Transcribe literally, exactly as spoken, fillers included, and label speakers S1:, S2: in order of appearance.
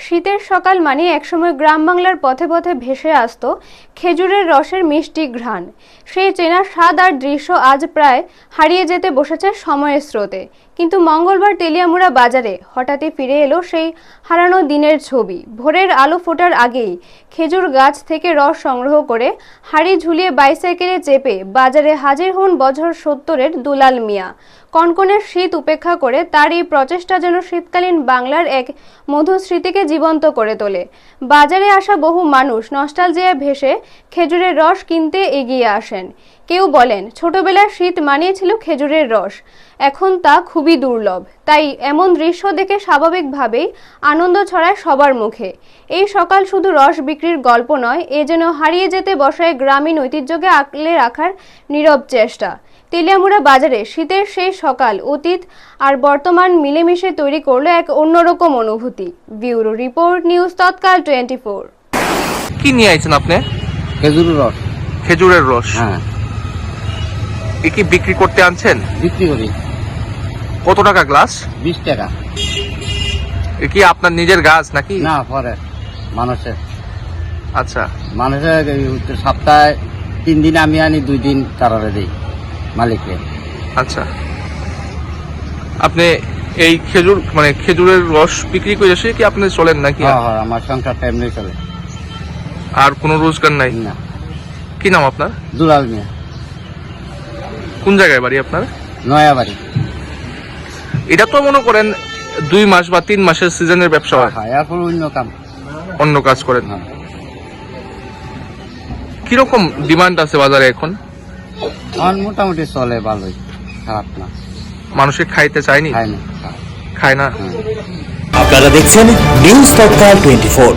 S1: শীতের সকাল মানে একসময় গ্রাম বাংলার পথে পথে ভেসে আসত খেজুরের রসের মিষ্টি ঘ্রাণ। সেই চেনা স্বাদ আর দৃশ্য আজ প্রায় হারিয়ে যেতে বসেছে সময়ের স্রোতে। কিন্তু মঙ্গলবার তেলিয়ামুড়া বাজারে হঠাৎই ফিরে এলো সেই হারানো দিনের ছবি। ভোরের আলো ফোটার আগেই খেজুর গাছ থেকে রস সংগ্রহ করে হাড়ি ঝুলিয়ে বাইসাইকেলে চেপে বাজারে হাজির হন বছর সত্তরের দুলাল মিয়া। কনকনের শীত উপেক্ষা করে তার এই প্রচেষ্টা যেন শীতকালীন বাংলার এক মধুর স্মৃতিকে জীবন্ত করে তোলে। বাজারে আসা বহু মানুষ নস্টালজিয়া ভেসে খেজুরের রস কিনতে এগিয়ে আসেন। কেউ বলেন ছোটবেলার শীত মানিয়েছিল খেজুরের রস, এখন তা খুবই দুর্লভ। তাই এমন দৃশ্য দেখে স্বাভাবিকভাবেই আনন্দ ছড়ায় সবার মুখে। এই সকাল শুধু রস বিক্রির গল্প নয়, এ যেন হারিয়ে যেতে বসায় গ্রামীণ ঐতিহ্যকে আঁকড়ে রাখার নীরব চেষ্টা। তেলিয়ামুড়া বাজারে শীতের সেই সকাল অতীত আর বর্তমান মিলেমিশে তৈরি করলো এক অন্যরকম অনুভূতি। Bureau report, news Tatkal twenty four.
S2: কি নিয়ে আইছেন আপনি?
S3: খেজুরের রস।
S2: খেজুরের রস?
S3: হ্যাঁ।
S2: এ কি বিক্রি করতে আনছেন?
S3: বিক্রি করি।
S2: কত টাকা গ্লাস?
S3: বিশ টাকা।
S2: এ কি আপনার নিজের গাছ নাকি?
S3: না, পরে মানুষের।
S2: আচ্ছা,
S3: মানুষের সপ্তাহে তিন দিন আমি আনি, দুই দিন তারারে দিই মালিককে।
S2: আচ্ছা, আপনি এই খেজুর মানে খেজুরের রস বিক্রি করে এসে কি আপনি চলেন নাকি?
S3: হ্যাঁ হ্যাঁ, আমার সংসারটা এমনি চলে।
S2: আর কোনো রোজগার নাই?
S3: না।
S2: কি নাম আপনার?
S3: দুলাল মিয়া।
S2: কোন জায়গায় বাড়ি আপনার?
S3: নয়াবাড়ি।
S2: এটা তো মনে করেন দুই মাস বা তিন মাসের সিজনের ব্যবসা হয়।
S3: হ্যাঁ, এখন অন্য কাম,
S2: অন্য কাজ করেন।
S3: হ্যাঁ।
S2: কিরকম ডিমান্ড আছে বাজারে এখন?
S3: এখন মোটামুটি চলে, ভালোই, খারাপ না।
S2: মানুষে খাইতে চায়নি?
S3: খায় না।
S2: খায় না।
S3: হ্যাঁ।
S4: আপনারা দেখছেন নিউজ তৎকাল টোয়েন্টি ফোর।